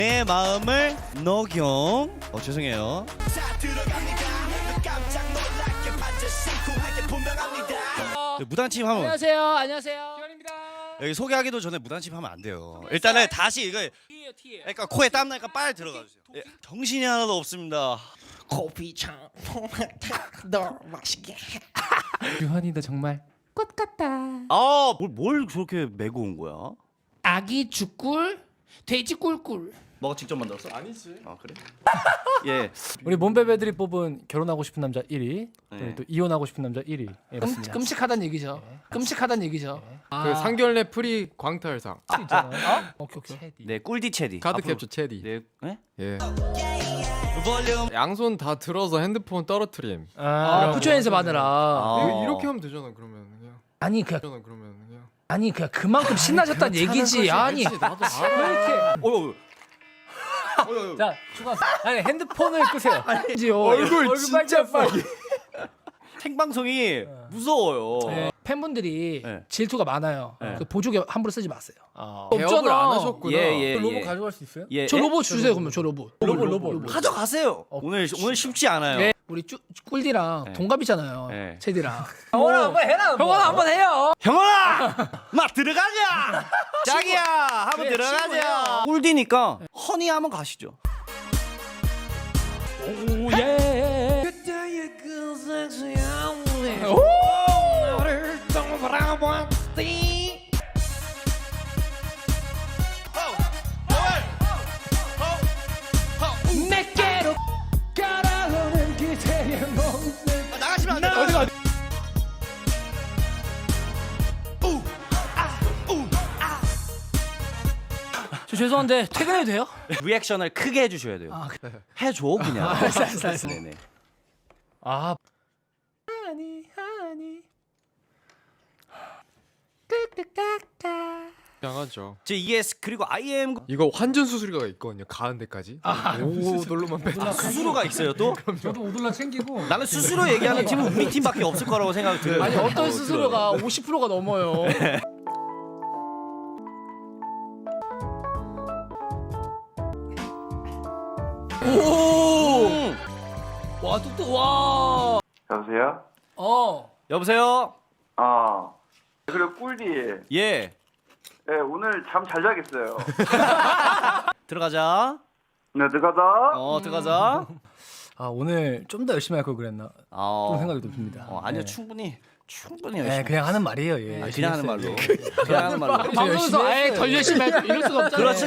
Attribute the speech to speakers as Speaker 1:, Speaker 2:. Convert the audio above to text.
Speaker 1: 내 마음을 녹용. 죄송해요. 무단침 하면
Speaker 2: 안녕하세요. 안녕하세요. 기원입니다.
Speaker 1: 여기 소개하기도 전에 무단침 하면 안 돼요. 일단은 다시 이거
Speaker 2: 티에요.
Speaker 1: 그러니까 코에 땀 나니까 빨리 들어가 주세요. 예, 정신이 하나도 없습니다.
Speaker 3: 커피창 너 맛있게.
Speaker 2: 유한이도 정말 꽃 같다.
Speaker 1: 뭘 저렇게 메고 온 거야?
Speaker 2: 아기 죽꿀, 돼지 꿀꿀.
Speaker 1: 너가 직접 만들었어?
Speaker 4: 아니지.
Speaker 1: 아 그래? 예.
Speaker 5: 우리 몸베베들이 뽑은 결혼하고 싶은 남자 1위,
Speaker 1: 네.
Speaker 5: 그리고 또 이혼하고 싶은 남자 1위. 예, 맞습니다.
Speaker 2: 끔찍하단 얘기죠. 끔찍하단 얘기죠.
Speaker 4: 그 상견례 프리 광탈상.
Speaker 5: 있잖아요.
Speaker 2: 오케이.
Speaker 1: 네, 꿀디 체디.
Speaker 4: 카드
Speaker 1: 앞으로-
Speaker 4: 캡처 체디.
Speaker 1: 네. 네?
Speaker 4: 예.
Speaker 1: 볼륨.
Speaker 4: 양손 다 들어서 핸드폰 떨어뜨림.
Speaker 2: 아, 부처 연습 하느라.
Speaker 4: 이렇게 하면 되잖아. 그러면 그냥.
Speaker 2: 아니 그냥 그만큼 신나셨단 얘기지. 아니
Speaker 4: 알지, 나도 알아.
Speaker 2: 왜 이렇게
Speaker 5: 자, 중간. 아니 핸드폰을 끄세요.
Speaker 2: 아니지요.
Speaker 4: 얼굴 진짜 빨개.
Speaker 1: 생방송이 무서워요.
Speaker 2: 네, 팬분들이
Speaker 1: 네.
Speaker 2: 질투가 많아요.
Speaker 1: 네.
Speaker 2: 그 보조개 함부로 쓰지 마세요.
Speaker 4: 개업을 안 하셨구나.
Speaker 1: 예.
Speaker 5: 로봇 가져갈 수 있어요?
Speaker 1: 예.
Speaker 2: 저 로봇 주세요. 그러면 저 로봇.
Speaker 5: 로봇.
Speaker 1: 가져가세요. 오늘 쉽지 않아요.
Speaker 2: 네, 우리 꿀디랑
Speaker 1: 네.
Speaker 2: 동갑이잖아요.
Speaker 1: 네.
Speaker 2: 체디랑.
Speaker 5: 형아 한번 해라.
Speaker 2: 형아 한번 해요.
Speaker 1: 형아, 막 들어가자. 자기야, 한번
Speaker 2: 네,
Speaker 1: 들어가자.
Speaker 2: 친구예요.
Speaker 1: 꿀디니까 허니 한번 가시죠.
Speaker 2: 오예. 내게로 걸어오는 기세에 멈는.
Speaker 1: 나가시면 안 돼요.
Speaker 2: 어디가? 저 죄송한데 퇴근해도 돼요?
Speaker 1: 리액션을 크게 해주셔야 돼요. 해줘 그냥.
Speaker 2: 알았어.
Speaker 1: 네네.
Speaker 5: 아,
Speaker 2: 하니
Speaker 4: 양하죠.
Speaker 1: 제 이게 그리고 IM
Speaker 4: 이거 환전 수수료가 있거든요. 가운데까지. 오, 놀로만 빼.
Speaker 1: 수수료가 있어요 또?
Speaker 5: 저도 오돌라 챙기고.
Speaker 1: 나는 수수료 얘기하는 팀은 우리 팀밖에 없을 거라고 생각이 들어요.
Speaker 2: 아니 어떤 수수료가 50%가 넘어요.
Speaker 1: 오!
Speaker 2: 와 뚝뚝 와.
Speaker 6: 여보세요?
Speaker 1: 여보세요?
Speaker 6: 그리고 꿀디.
Speaker 1: 예.
Speaker 6: 예, 오늘 잠 잘 자겠어요.
Speaker 1: 들어가자.
Speaker 6: 네, 들어가자.
Speaker 1: 들어가자.
Speaker 5: 아, 오늘 좀 더 열심히 할 걸 그랬나? 그런 생각이 좀 듭니다.
Speaker 1: 아니요,
Speaker 5: 네.
Speaker 1: 충분히
Speaker 5: 네,
Speaker 1: 열심히.
Speaker 5: 그냥 하는 말이에요. 예.
Speaker 1: 그냥 하는 말로. 그냥 하는 말로.
Speaker 2: 방송에서 아예 덜 열심히 할 이럴 수가 없잖아요.
Speaker 1: 그렇지.